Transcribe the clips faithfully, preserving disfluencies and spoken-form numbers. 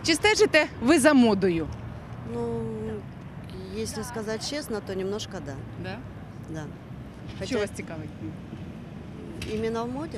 Чи стежите ви за модою? Ну, если сказать честно, то немножко да. Да? Да. Що Хотя вас цікавить? именно в моде,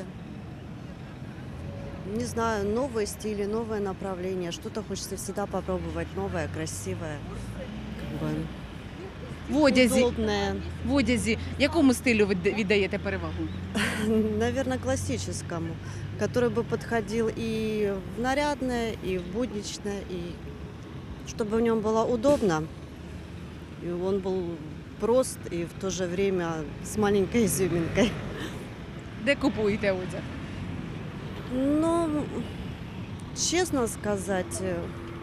не знаю, новые стили, новые направления. Что-то хочется всегда попробовать новое, красивое, как бы В одязі, удобное. в одязі якому стилю ви д- віддаєте перевагу? Наверное, классическому, который бы подходил и в нарядное, и в будничное, и чтобы в нем было удобно, и он был прост и в то же время с маленькой изюминкой. Де купуєте одяг? Ну, честно сказать, э,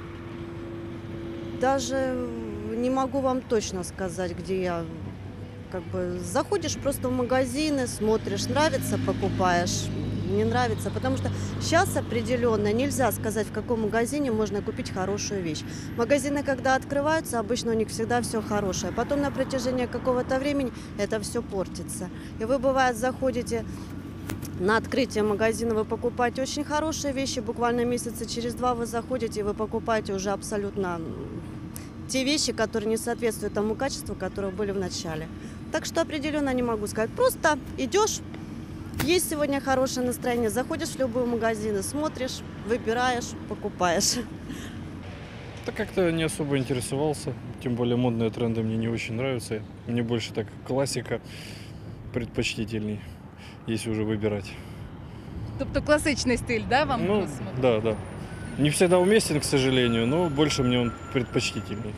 даже не могу вам точно сказать, где я. Как бы заходишь просто в магазины, смотришь, нравится, покупаешь, не нравится. Потому что сейчас определенно нельзя сказать, в каком магазине можно купить хорошую вещь. Магазины, когда открываются, обычно у них всегда все хорошее. Потом на протяжении какого-то времени это все портится. И вы, бывает, заходите на открытие магазина, вы покупаете очень хорошие вещи, буквально месяца через два вы заходите, и вы покупаете уже абсолютно те вещи, которые не соответствуют тому качеству, которые были в начале. Так что определенно не могу сказать. Просто идешь, есть сегодня хорошее настроение, заходишь в любой магазин, смотришь, выбираешь, покупаешь. Да как-то не особо интересовался, тем более модные тренды мне не очень нравятся. Мне больше так классика предпочтительней, если уже выбирать. Тобто класичний стиль, да, вам? Ну, просмотр? да, да. Не всегда уместен, к сожалению, но больше мне он предпочтительный.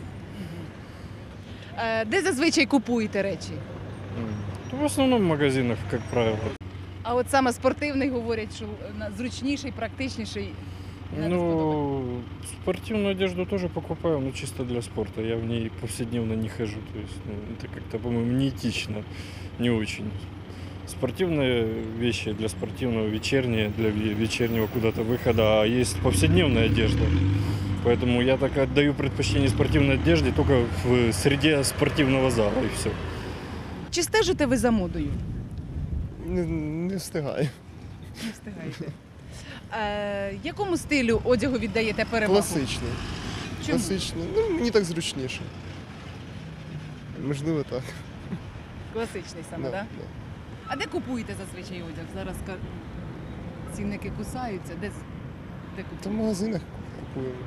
Е, Де зазвичай купуєте речі? М. В основном в магазинах, как правило. А от саме спортивний говорять, що на- зручніший, практичніший. не сподобається. Ну, спортивную одежду тоже покупаю, но чисто для спорта. Я в ней повседневно не хожу. То есть, ну, это как-то, по-моему, неэтично, не очень. Спортивные вещи для спортивного, вечерние, для ве- вечернего куда-то выхода, а есть повседневная одежда. Поэтому я так отдаю предпочтение спортивной одежде только в среде спортивного зала и все. Чи стежите ви за модою? Не, не встигаю. Не встигаєте. Е, якому стилю одягу віддаєте перевагу? Класичний. Чому? Класичний. Ну, мені так зручніше. Можливо, так. Класичний саме, Да, так? Да? да. А де купуєте зазвичай одяг? Зараз ка- цінники кусаються. Де, з- де Та в купуєте? магазинах купуємо.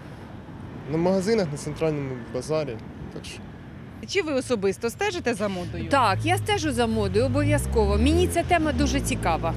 На магазинах, на центральному базарі. Так що. Чи ви особисто стежите за модою? Так, я стежу за модою обов'язково. Мені ця тема дуже цікава.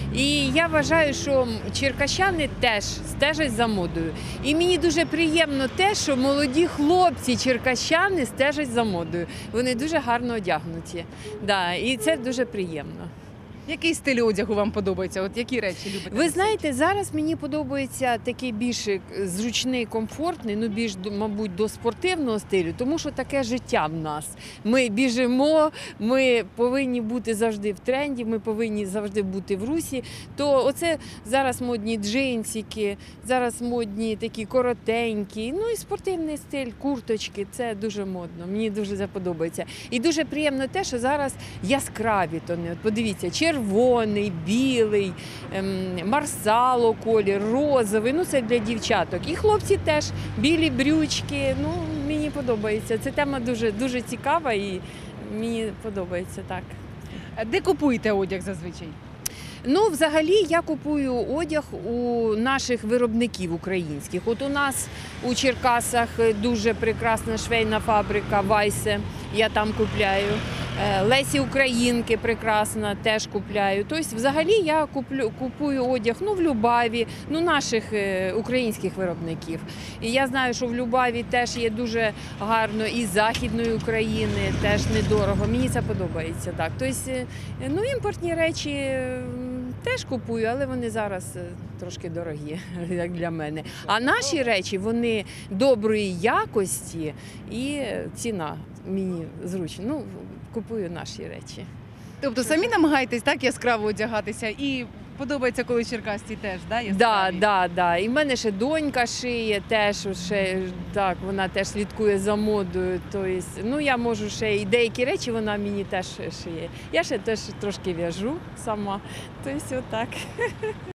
І я вважаю, що черкащани теж стежать за модою. І мені дуже приємно те, що молоді хлопці черкащани стежать за модою. Вони дуже гарно одягнуті. Да, і це дуже приємно. Який стиль одягу вам подобається? От які речі любите? Ви носити? знаєте, зараз мені подобається такий більш зручний, комфортний, ну більш, до- мабуть, до спортивного стилю, тому що таке життя в нас. Ми біжимо, ми повинні бути завжди в тренді, ми повинні завжди бути в русі. То оце зараз модні джинсики, зараз модні такі коротенькі, ну і спортивний стиль, курточки, це дуже модно, мені дуже це подобається. І дуже приємно те, що зараз яскраві тони. От подивіться, червоний, білий, ем, марсало колір, розовий, ну це для дівчаток. І хлопці теж, білі брючки, ну мені подобається. Ця тема дуже, дуже цікава і мені подобається так. А де купуєте одяг зазвичай? Ну, взагалі, я купую одяг у наших виробників українських. От у нас у Черкасах дуже прекрасна швейна фабрика Вайсе, я там купляю. Е, Лесі Українки прекрасна, теж купляю. Тобто, взагалі, я куплю, купую одяг ну, в Любаві, ну, наших е, українських виробників. І я знаю, що в Любаві теж є дуже гарно і з Західної України, теж недорого. Мені це подобається. Так. Тобто, е, ну, імпортні речі е, теж купую, але вони зараз е, трошки дорогі, як для мене. А наші речі, вони доброї якості і ціна мені зручна. Ну, купую наші речі. Тобто самі намагаєтесь так яскраво одягатися і подобається, коли черкасці теж, да, Да, яскраві? да, да. І в мене ще донька шиє, теж ще, так, вона теж слідкує за модою. Тобто, ну, я можу ще і деякі речі вона мені теж шиє. Я ще теж трошки в'яжу сама. Тобто, отак.